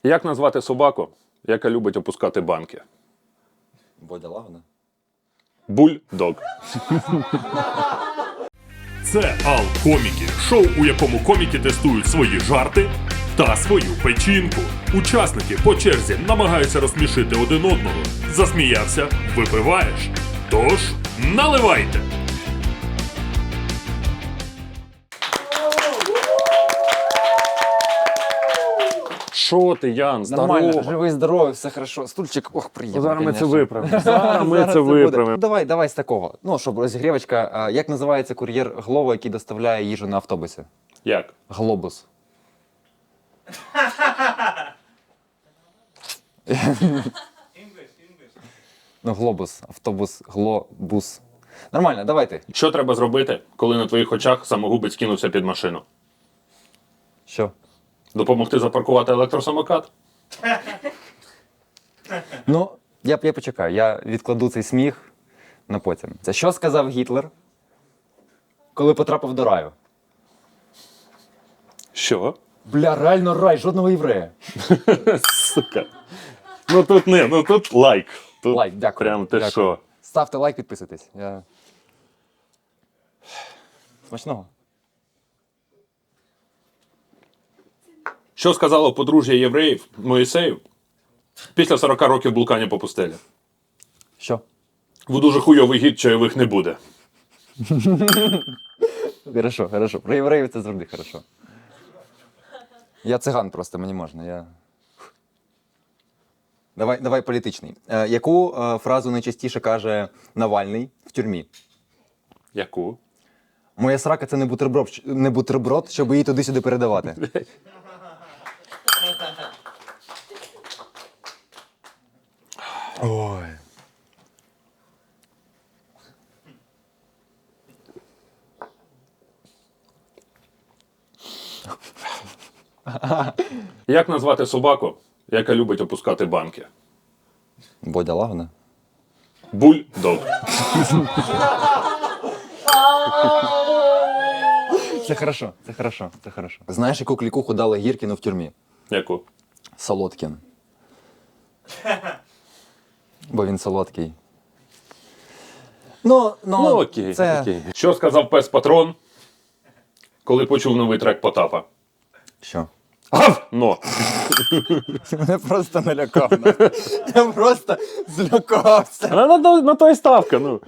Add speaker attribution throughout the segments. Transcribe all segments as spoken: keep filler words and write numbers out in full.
Speaker 1: Як назвати собаку, яка любить опускати банки?
Speaker 2: Бодя Лагана.
Speaker 1: Бульдог.
Speaker 3: Це Ал-Коміки, шоу, у якому коміки тестують свої жарти та свою печінку. Учасники по черзі намагаються розсмішити один одного. Засміявся – випиваєш. Тож, наливайте!
Speaker 1: Що ти, Ян,
Speaker 2: Нормально,
Speaker 1: здорово?
Speaker 2: живий, здоровий, все хорошо. Стульчик, ох, приємно.
Speaker 1: Зараз ми це
Speaker 2: конечно.
Speaker 1: виправимо. Зараз ми
Speaker 2: Зараз
Speaker 1: це
Speaker 2: буде.
Speaker 1: виправимо.
Speaker 2: Давай, давай з такого. Ну, щоб розігрівочка. А, Як називається кур'єр Глова, який доставляє їжу на автобусі?
Speaker 1: Як?
Speaker 2: Глобус. Ну, глобус, автобус, глобус. Нормально, давайте.
Speaker 1: Що треба зробити, коли на твоїх очах самогубець кинувся під машину?
Speaker 2: Що?
Speaker 1: Допомогти запаркувати електросамокат?
Speaker 2: Ну, я, я почекаю, я відкладу цей сміх на потім. Це що сказав Гітлер, коли потрапив до раю?
Speaker 1: Що?
Speaker 2: Бля, реально рай, жодного єврея.
Speaker 1: Сука. Ну тут не, ну тут лайк. Тут
Speaker 2: Лайк, дякую.
Speaker 1: Прям те
Speaker 2: дякую.
Speaker 1: що.
Speaker 2: Ставте лайк, підписуйтесь. Я... Смачного.
Speaker 1: Що сказало подружжя євреїв Моїсею після сорока років блукання по пустелі?
Speaker 2: Що?
Speaker 1: В дуже хуйовий гід чайових не буде.
Speaker 2: Хорошо, хорошо. Про євреїв це завжди хорошо. Я циган просто, мені можна. Я... Давай, давай політичний. Е, яку е, фразу найчастіше каже Навальний в тюрмі?
Speaker 1: Яку?
Speaker 2: Моя срака це не бутерброд, щ- не бутерброд, щоб її туди-сюди передавати. Ой.
Speaker 1: Як назвати собаку, яка любить опускати банки?
Speaker 2: Бодя Лагана.
Speaker 1: Бульдог.
Speaker 2: Це хорошо, це хорошо, це хорошо. Знаєш, яку клікуху дали Гіркіну в тюрмі?
Speaker 1: Яку?
Speaker 2: Солодкін. Бо він солодкий. Ну, ну,
Speaker 1: Ну окей,
Speaker 2: це...
Speaker 1: окей. Що сказав пес Патрон, коли почув новий трек Потапа?
Speaker 2: Що?
Speaker 1: Гав! Но!
Speaker 2: Мене просто налякав. Я просто злякався.
Speaker 1: На, на, на, на то і ставка, ну.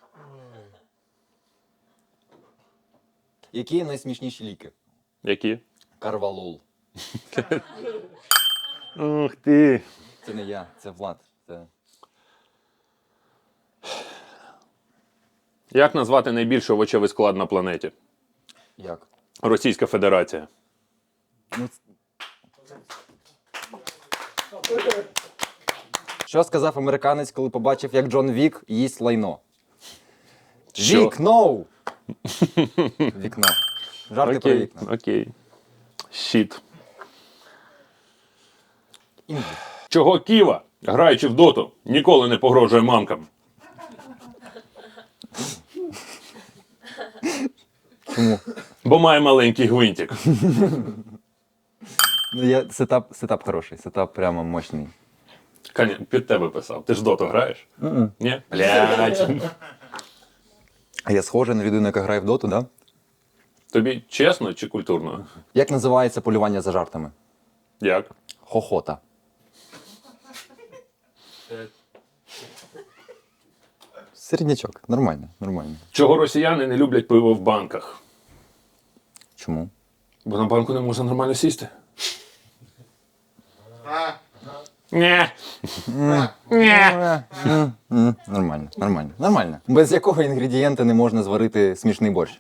Speaker 2: Які найсмішніші ліки?
Speaker 1: Які?
Speaker 2: Карвалол.
Speaker 1: Ух ти.
Speaker 2: Це не я, це Влад. Це...
Speaker 1: Як назвати найбільший овочевий склад на планеті?
Speaker 2: Як?
Speaker 1: Російська Федерація.
Speaker 2: Ну, ц- Що сказав американець, коли побачив, як Джон Вік їсть лайно?
Speaker 1: Що?
Speaker 2: Вікно! Вікно. Жарти про
Speaker 1: Окей,
Speaker 2: вікна.
Speaker 1: окей. Щіт.
Speaker 2: Інгліш.
Speaker 1: Чого Ківа, граючи в доту, ніколи не погрожує мамкам?
Speaker 2: Чому?
Speaker 1: Бо має маленький гвинтик.
Speaker 2: Ну, я, сетап, сетап хороший, сетап прямо мощний.
Speaker 1: Каня, під тебе писав. Ти ж доту граєш? Ні? Блядь.
Speaker 2: А я схожий на людину, яка грає в доту, да?
Speaker 1: Тобі чесно чи культурно?
Speaker 2: Як називається полювання за жартами?
Speaker 1: Як?
Speaker 2: Хохота. Середнячок. Нормально, нормально.
Speaker 1: Чого росіяни не люблять пиво в банках?
Speaker 2: Чому?
Speaker 1: Бо на банку не можна нормально сісти. Ні.
Speaker 2: М, Нормально, нормально, нормально. Без якого інгредієнта не можна зварити смішний борщ?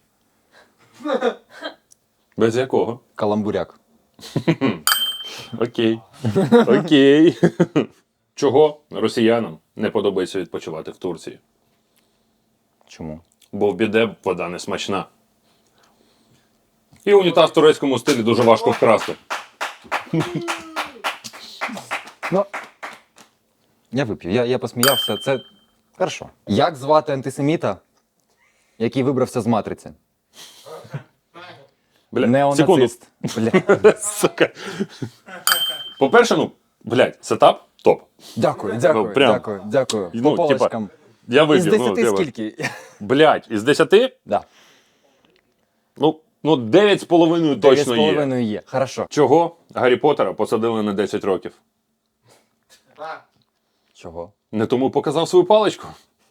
Speaker 1: Без якого?
Speaker 2: Каламбуряк.
Speaker 1: Окей. Окей. Чого росіянам не подобається відпочивати в Турції?
Speaker 2: Чому?
Speaker 1: Бо в біде вода не смачна. І унітаз в турецькому стилі дуже важко вкрасти.
Speaker 2: Ну, я вип'ю, я, я посміявся, це хорошо. Як звати антисеміта, який вибрався з матриці?
Speaker 1: Бля, секунду.
Speaker 2: Неонацист. Бля.
Speaker 1: Сука. По-перше, ну, блядь, сетап топ.
Speaker 2: Дякую, дякую,
Speaker 1: Ну, прям.
Speaker 2: дякую, дякую.
Speaker 1: Ну,
Speaker 2: По
Speaker 1: типа,
Speaker 2: полочкам.
Speaker 1: Я
Speaker 2: Із
Speaker 1: вип'ю. ну,
Speaker 2: десяти
Speaker 1: типа,
Speaker 2: скільки?
Speaker 1: Блядь, із десяти?
Speaker 2: Да.
Speaker 1: Ну, ну дев'ять з половиною
Speaker 2: Дев'ять з
Speaker 1: точно є.
Speaker 2: половиною є. Хорошо.
Speaker 1: Чого Гаррі Поттера посадили на десять років?
Speaker 2: Чого?
Speaker 1: Не тому показав свою паличку?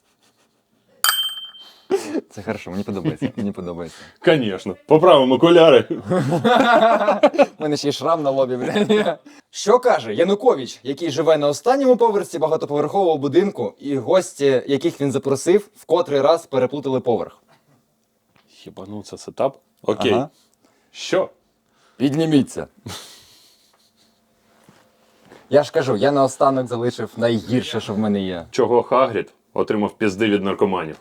Speaker 2: Це хорошо, мені подобається. Мені подобається.
Speaker 1: Звісно. Поправимо окуляри.
Speaker 2: У мене ще й шрам на лобі, блядь. Що каже Янукович, який живе на останньому поверсі багатоповерхового будинку, і гості, яких він запросив, в котрий раз переплутали поверх?
Speaker 1: Хіба ну це сетап? Окей.
Speaker 2: Ага.
Speaker 1: Що?
Speaker 2: Підніміться. Я ж кажу, я наостанок залишив найгірше, що в мене є.
Speaker 1: Чого Хагрід отримав пізди від наркоманів?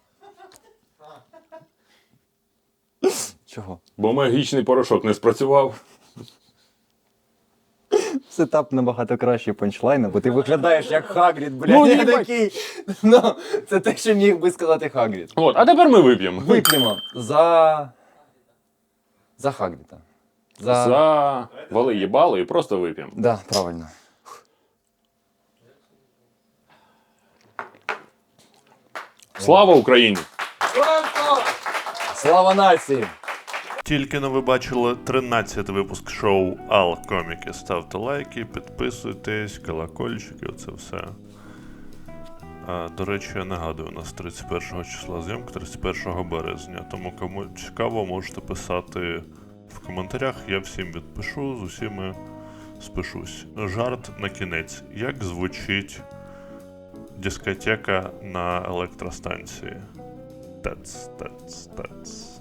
Speaker 2: Чого?
Speaker 1: Бо магічний порошок не спрацював.
Speaker 2: Сетап набагато кращий панчлайна, бо ти виглядаєш як Хагрід, блядь.
Speaker 1: Ну,
Speaker 2: я
Speaker 1: їбать.
Speaker 2: такий. Ну, це те, що міг би сказати Хагрід.
Speaker 1: От, а тепер ми вип'ємо.
Speaker 2: Вип'ємо за... За Хагріда. За...
Speaker 1: За вали їбало і просто вип'ємо.
Speaker 2: Да, правильно.
Speaker 1: Слава Україні!
Speaker 2: Слава нації!
Speaker 3: Тільки но ви бачили тринадцятий випуск шоу Ал Коміки. Ставте лайки, підписуйтесь, колокольчики, оце все. А, до речі, я нагадую, у нас тридцять першого числа зйомка, тридцять першого березня. Тому кому цікаво, можете писати в коментарях. Я всім відпишу, з усіми спишусь. Жарт на кінець. Як звучить дискотека на електростанції? Тац, тац, тац.